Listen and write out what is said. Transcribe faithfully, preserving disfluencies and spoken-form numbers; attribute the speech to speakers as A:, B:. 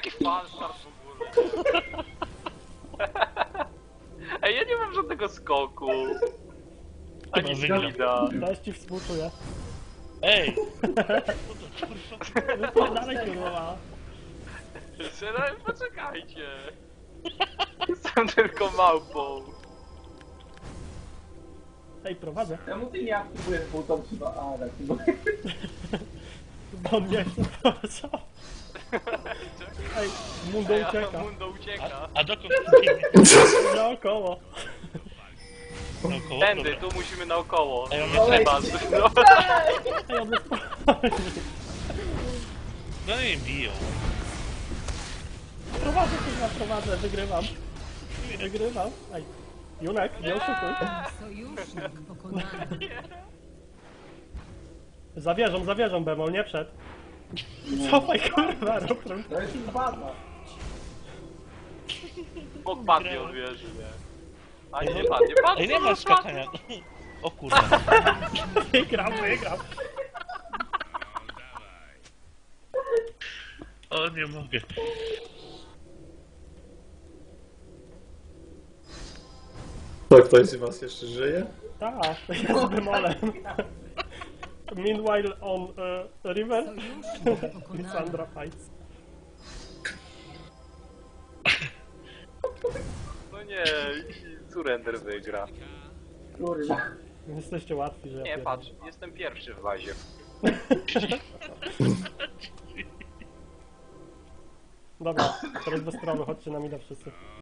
A: Jaki falstart w ogóle. Ej, ja nie mam żadnego skoku. Ani skida.
B: Też ci współczuję.
C: Ej!
B: Wypierdalaj kurwa.
A: Ale poczekajcie. Jestem tylko małpą.
B: Ej, prowadzę.
D: Czemu ty nie aktywujesz buton chyba? A, tak.
B: Bo mnie co? Ej, Mundo
A: Ej, a
B: ucieka.
A: Mundo ucieka.
C: A dokąd?
B: Naokoło.
C: Naokoło?
A: Tędy,
C: Dobra.
A: tu musimy naokoło.
C: Ej, on
A: No,
C: jest
A: chyba. No.
B: Ej, on jest spokojny.
C: No i biją.
B: Prowadzę, kurwa, prowadzę, wygrywam. Wygrywam. Ej, Junek, nie oszukuj.
E: Sojusznik pokonany.
B: Zawierzą, zawierzą, Bemol, nie przed. Cofaj, kurwa, Rotrum.
D: To jest baza.
A: Bok padnie od wieży, nie? A nie, nie padnie, padnie.
C: Ej, nie ma skakania. O kurwa.
B: Wygram, wygram.
C: O, nie mogę.
F: To ktoś z was jeszcze żyje?
B: Tak, ja z Bemolem. Meanwhile on uh, river,
E: Sojusznik pokonany.
B: Lissandra fights.
A: No nie, Surrender wygra.
D: Kurwa.
B: Jesteście łatwi, że ja
A: Nie,
B: pierdolę.
A: patrz, jestem pierwszy w bazie.
B: Dobra, teraz bez sprawy, chodźcie na mida wszyscy.